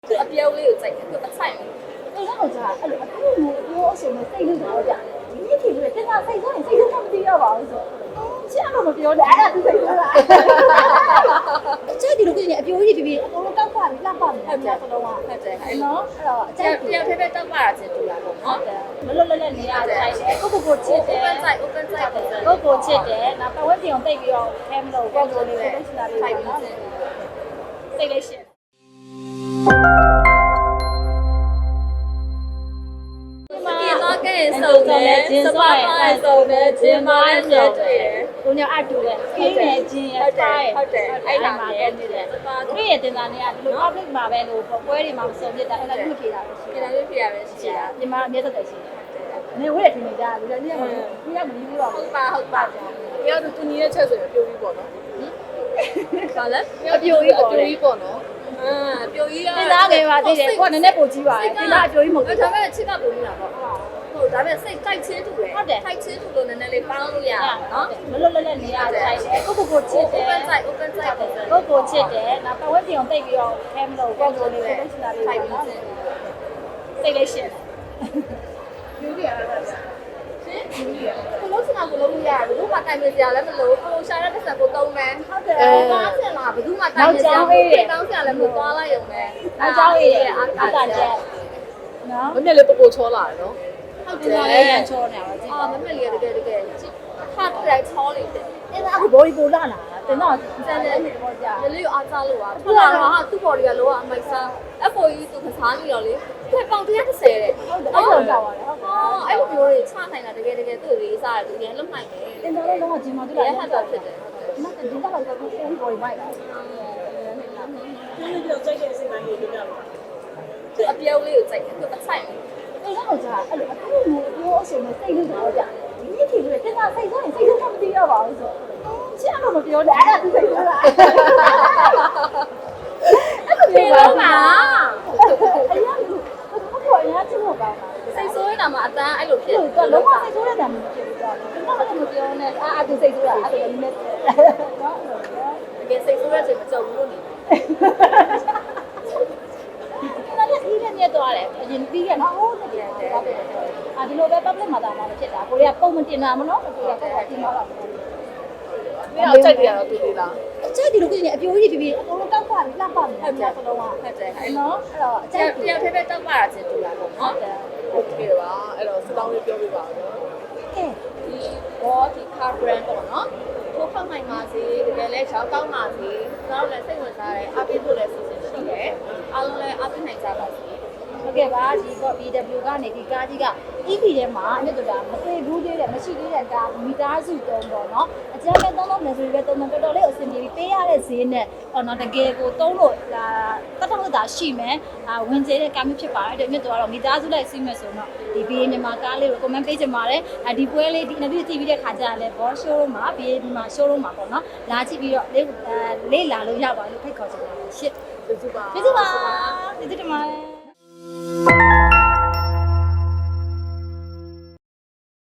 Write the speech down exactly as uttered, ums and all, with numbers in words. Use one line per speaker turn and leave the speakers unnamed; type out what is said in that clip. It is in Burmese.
အပြုံးလေးကိုစိုက်တယ်သူအဆိုင်
အဲ့တော့ကြာအဲ့လိုအတူတူပြောအဆိုနဲ့စိတ်လို့တော့ကြာဒီနေ့ထီလို့တင်တာစိတ်ဆိုရင်စိတ်ဆိုမသိရပါဘူးဆိုချစ်အောင်မပြောနဲ့အဲ့ဒါသူစိတ်ဆိုလားအကျိုးဒီလိုကိနေအပြိုးကြီးပြပြအကုန်လုံးတောက်ပါပြီးလှပပြီးဟုတ်တယ်စလုံးကဟုတ်တယ်အဲ့နော်အဲ့တော့အကျိုးတယောက်တည်းပဲတောက်ပါတာချင်းတူလာပေါ့နော်မလွတ်လပ်လပ်နေရဆိုင်တယ်ကိုကိုကိုချစ်တယ်
open site open site
ကိုကိုချစ်တယ်နောက်ပတ်ဝန်းကျင်ကိုတိတ်ပြီးတော့ခဲမလို့ကိုကိုလေးလေးချစ်တာလေး
ထိုက်
ပေါ့
ပြီး
နော်
စင်
စိတ်လေးရှင်
ဒီတော့ကဲစုံတယ်စပါးပါစုံတယ်ဂျင်မာလည်းတွေ့တယ်
ကိုညအတူတယ်ခင်းနေချင်းရဖိုင်
ဟုတ်တယ်အဲ့ဒါမှာလည်းနေတယ်
တွေ့ရတင်တာနေကဒီလို public မှာပဲလို့ပွဲတွေမှာမစုံဖြစ်တာအဲ့ဒါလူဖြေတာပဲရှိ
ဒီလိုလေးပြရပဲရှိတာ
ညီမအမြဲတမ်းရှိတယ်နေဝဲထင်နေကြလူလည်းနေမှာဒီကမကြီးဘူးတော့
ဟုတ်ပါဟုတ်ပါတယောက်သူညီရဲ့ချက်ဆိုရင်ပြိုပြီးပေါ့နော်ဘာလဲ
အပြိုကြီးပေါ့
ပြိုကြီးပေါ့နော်အာပြိုကြီးက
တင်သားငယ်ပါသေးတယ်ကိုကနည်းနည်းပိုကြီးပါတယ်တင်သားအပြိုကြီးမဟုတ်ဘူး
ဒါပေမဲ့ချစ်ကပုံနေတာပေါ့ဟုတ်ဒါပေမဲ့စိတ်တိုက်ချင်းတူတယ်တိုက်ချင်းတူလို့နည်းနည်းလေးပေါင်းလို့ရအောင်နော်
မလွတ်လပ်လပ်နေရဆိုင်တယ်ကိုကိုကိုချစ်တယ်
open site open site
ကိုကိုချစ်တယ်နောက်ပတ်ဝန်းကျင်ကိုတိတ်ပြီးတော့ခဲမလို့ကိုကိုလေးလေးချစ်တာလေး
ထိုက်
ပေါ့
ပြီး
နော်
စင်
စိတ်လေးရှင်
ယူရီရတာရှင်ယူရီရကိုလုံးစင်တာကိုလုံးလို့ရတယ်ဘယ်သူမှတိုင်မစရာလည်းမလိုကိုရှာတဲ့ပတ်စံကိုသုံးမယ်
ဟုတ်တယ်
အဲကားစင်လာဘယ်သူမှတိုင်မစရာကိုပြေးတောင်းစရာလည်းမလိုသွားလိုက်ရုံပဲ
အကြောင်းအေးရဲ့အာကာချက်နော်
မနေ့လေးပပိုချောလာတယ်နော်
ဟုတ်တ
ဒီ
ယ်
မှာလေးရန်ချောနေတာပါကြည့်
အာမမလေးရတကယ်တကယ်ဟာတိုက်ချောလေးတယ်
အဲ့ဒါအခုဘောဒီပိုလာလာတင်တော့စမ်းတယ်နေပေါ့ကြာ
ရလေးအားစားလို့อ่ะထွက်လာတော့ဟာသူ့ body ကလောကအမိုက်စား F O E သူကစားနေတော့လေသူပေါင်တစ်ဆယ်တဲ့
ဟုတ်တယ်အဲ့လိုကြောက်ပါတယ်ဟုတ်
ဟောအဲ့လိုမျိုးတွေချနိုင်တာတကယ်တကယ်သူ့လေးစားတယ်သူရင်လုံနိုင်တယ်
တင်တော့လုံးဝဂျင်မာတူ
ဒီ
လာ
ရဟတ်တာဖြစ်တယ်
ဒီမှာဒီကတော့ကိုကိုဘောဒီမိုက်လာ
ဒီလိုပြောစိတ်ရဲ့စိတ်ပိုင်းလေးပြောပြပါ
သူအပြုံးလေးကိုစိုက်တယ်သူအဆိုင်
အဲ့တော့ကြာအဲ့လိုအတူတူပြောအဆိုနဲ့စိတ်လို့တော့ကြာဒီနေ့ထီလို့တင်တာစိတ်ဆိုရင်စိတ်ဆိုမသိရပါဘူးဆိုချစ်အောင်မပြောနဲ့အဲ့ဒါသူစိတ်ဆိုလားအဲ့လို
ပြေ
ပြော
တော့
ပါ
မှာ
အဲ့ရဟုတ်ကောအရင်ချစ်ဖို့ကောင်းတာ
စိတ်ဆိုးနေတာမှာအတန်းအဲ့လိုဖြစ်
သူကလုံးဝစိတ်ဆိုးတဲ့တံမျိုးဖြစ်ပြီးတော့ကျွန်တော်လည်းမပြောနဲ့အာအတူစိတ်ဆိုးတာအဲ့လိုနည်းနော်
တကယ်စိတ်ဆိုးတဲ့ချိန်မကြုံဘူးလို့နေ
ဒါလည်းဒီလည်းမြတ်သွားတယ်အရင်ပြီးရနော်ဟုတ်တယ်အာဒီလိုပဲ public မှာတာမှဖြစ်တာကိုရီးယားပုံမတင်တာမနော်ကိုရီးယားပုံတင်တော့
မင်းအောင်ကြိုက်တယ်တော့တူသေးလား
အကျိုးဒီလိုကိနေအပြိုးကြီးပြပြအကုန်လုံးတောက်ပါပြီးလှပပြီးဟုတ်တယ်စလုံးက
ဟုတ်တယ်အဲ့
နော်အဲ့တော့အ
တ
ကျိုး
ယောက်တည်းပဲတောက်ပါတာချင်းတူလာပေါ့နော်
โอเคပါအဲ့တော့စတောင်းလေးပြောပြပါဦး
ကဲ
ဒီဘောဒီ car brand ပေါ့နော်ထိုးဖောက်နိုင်ပါစေတကယ်လဲရှောင်းကောင်းပါစေကျွန်တော်လည်းစိတ်ဝင်စားတယ်အပိဖို့လည်းစီစဉ်ရှိတယ်အားလုံးလည်းအပိနိုင်ကြပါစေ
ဟုတ်ကဲ့ပါဒီက B W ကနေဒီကားကြီးက E P ထဲမှာအမြတ်တူတာမသိဘူးသေးတယ်မရှိသေးတဲ့ကားမီတာစုတုံးပေါ့နော်အကျဉ်းပဲသုံးလုံးမယ်ဆိုပြီးပဲသုံးလုံးတော်တော်လေးအဆင်ပြေပြီးပေးရတဲ့ဈေးနဲ့ဟောနော်တကယ်ကိုသုံးလို့ဒါတတ်တော့တာရှိမယ်အာဝင်ကျေးတဲ့ကားမျိုးဖြစ်ပါတယ်အမြတ်တူကတော့မီတာစုလိုက်စီးမယ်ဆိုတော့ဒီ B A မြန်မာကားလေးကို comment ပေးချင်ပါတယ်အဒီပွဲလေးဒီ interview ကြည့်ပြီးတဲ့ခါကျရင်လည်း boss show မှာ B A မှာ show မှာပေါ့နော်လာကြည့်ပြီးတော့လေးလေးလာလို့ရပါလို့ဖိတ်ခေါ်ချင်ပါတယ်ရှစ်
ကျေးဇူးပါ
ကျေးဇူးပါကျေးဇူးတင်ပါတယ်